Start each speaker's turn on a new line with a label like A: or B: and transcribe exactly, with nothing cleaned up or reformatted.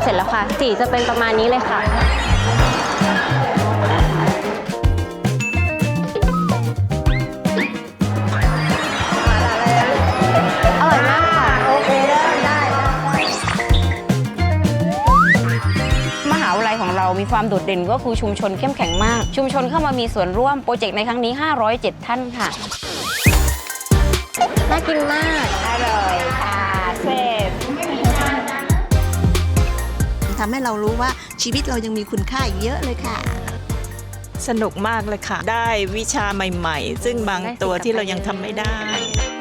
A: เสร็จแล้วค่ะสีจะเป็นประมาณนี้เลยค่ะอร่อยมากค่ะโอเคได้
B: มหาวิทยาลัยของเรามีความโดดเด่นก็คือชุมชนเข้มแข็งมากชุมชนเข้ามามีส่วนร่วมโปรเจกต์ในครั้งนี้ห้าร้อยเจ็ดท่านค่ะ
A: น่ากินมาก
B: อร่อยค่ะเสร็จ
C: ทำให้เรารู้ว่าชีวิตเรายังมีคุณค่าอีกเยอะเลยค่ะ
D: สนุกมากเลยค่ะได้วิชาใหม่ๆซึ่งบางตัวที่เรายังทำไม่ได้